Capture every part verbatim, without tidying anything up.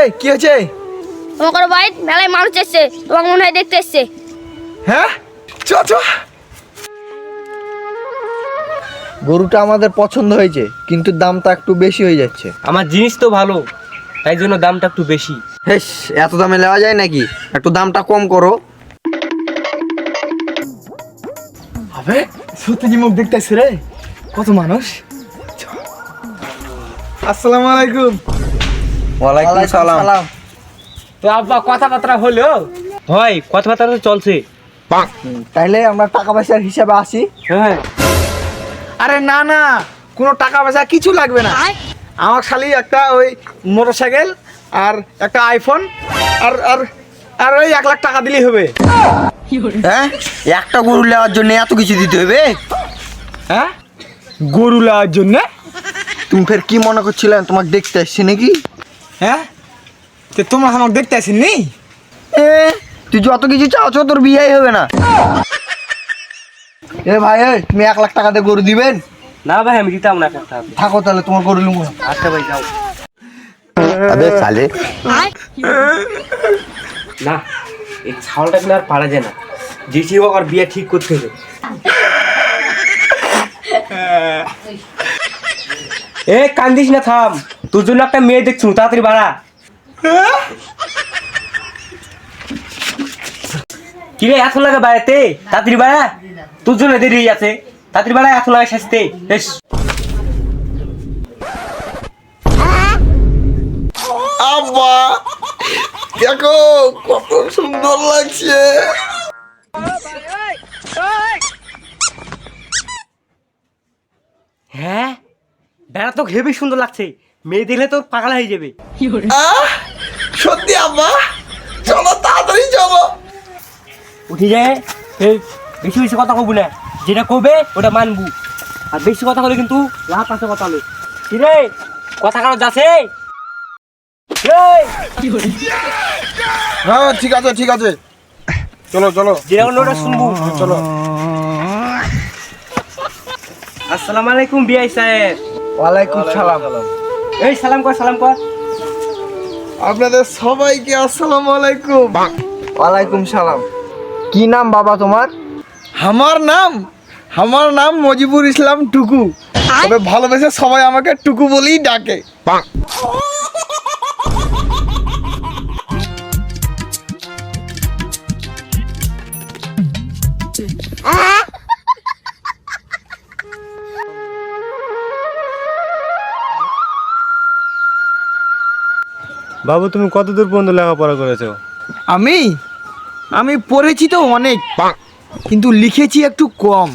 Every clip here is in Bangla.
কি হয়েছে? তোমার বাড়ি মেলায় মানুষ এসছে, তোমাকে মনে হয় দেখতে এসছে। হ্যাঁ, চ চ। গরুটা আমাদের পছন্দ হয়েছে, কিন্তু দামটা একটু বেশি হয়ে যাচ্ছে। আমার জিনিস তো ভালো, তাই জন্য দামটা একটু বেশি। হেস, এত দামে নেওয়া যায় নাকি? একটু দামটা কম করো। আবে সত্যি কি মুখ দেখতেছ রে? কত মানুষ। আসসালামু আলাইকুম। ওয়ালাইকুম সালাম। তো আব্বা কথাবার্তা হলো? হয়, কথাবার্তা তো চলছে। তাইলে আমরা টাকা পয়সার হিসাবে আসি। হ্যাঁ। আরে না না, কোনো টাকা পয়সা কিছু লাগবে না। আমার খালি একটা ওই মোটরসাইকেল আর একটা আইফোন আর আর আর ওই এক লাখ টাকা দিলেই হবে। হ্যাঁ, একটা গরু নেওয়ার জন্য এত কিছু দিতে হবে? হ্যাঁ, গরু নেওয়ার জন্য? তুমি ফের কি মনে করছিলে তোমাকে দেখতে আসছি নাকি? হ্যাঁ, তো তোমার আমাকে দেখতে আসেননি? এ তুই যত কিছু চাওছো তোর বিয়েই হবে না। এ ভাই, তুমি এক লাখ টাকা দিয়ে গরু দিবেন? না ভাই, আমি দিতাম না একটা। থাকো তাহলে, তোমার গরু লুঙ্গো। আচ্ছা ভাই, যাও। আবে সালে, না, এই ছাওয়ালটা কিন্তু আর পারা যায় না। যেটি হোক আর বিয়ে ঠিক করতে হবে। এ কান্দিস না, থাম। তোর জন্য একটা মেয়ে দেখছু, তাড়াতাড়ি বাড়া। কিরে এত লাগে বাড়াতে? তাড়াতাড়ি বাড়া, তোর জন্য দেরি আছে। তাড়াতাড়ি বাড়া, এত লাগে শাস্তি। বেশ। আব্বা দেখো কত সুন্দর লাগছে। হ্যাঁ, বেড়া তো হেবি সুন্দর লাগছে। মেয়ে দেখলে তোর পাগল হয়ে যাবে। আহ, সত্যি আব্বা, চলো তাড়াতাড়ি চলো। উঠি যায়। এই বেশি বেশি কথা কব না, যেটা কবে ওটা মানবু। আর বেশি কথা বলে কিন্তু লাভ আছে কথা হলে। কি রে, কথা কারো যাচ্ছে? হ্যাঁ ঠিক আছে ঠিক আছে, চলো চলো। যেটা বললো ওটা শুনবো। চলো। আসসালামু আলাইকুম বিআই সাহেব। ওয়ালাইকুম সালাম। এই সালাম কর, সালাম কর। আপনাদের সবাইকে আসসালামু আলাইকুম। ওয়ালাইকুম সালাম। কি নাম বাবা তোমার? আমার নাম আমার নাম মজিবুর ইসলাম টুকু, তবে ভালোবেসে সবাই আমাকে টুকু বলেই ডাকে। বাবু, তুমি কত দূর পর্যন্ত লেখাপড়া করেছো? আমি আমি পড়েছি তো অনেক, কিন্তু লিখেছি একটু কম।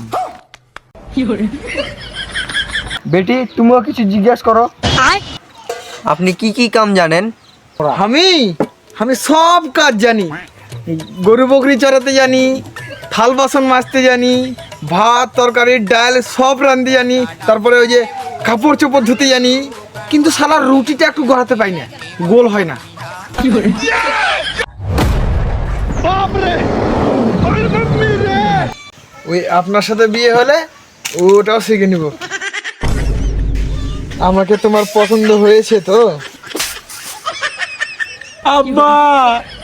বেটি, তুমিও কিছু জিজ্ঞেস করো। আপনি কি কি কাম জানেন? আমি আমি সব কাজ জানি। গরু বকরি চড়াতে জানি, থাল বাসন মাজতে জানি, ভাত তরকারি ডাল সব রাঁধতে জানি, তারপরে ওই যে কাপড় চোপড় ধুতে জানি, কিন্তু সারা রুটিটা একটু গড়াতে পাই না, গোল হয় না। ওই আপনার সাথে বিয়ে হলে ওটাও শিখে নিব। আমাকে তোমার পছন্দ হয়েছে তো? আব্বা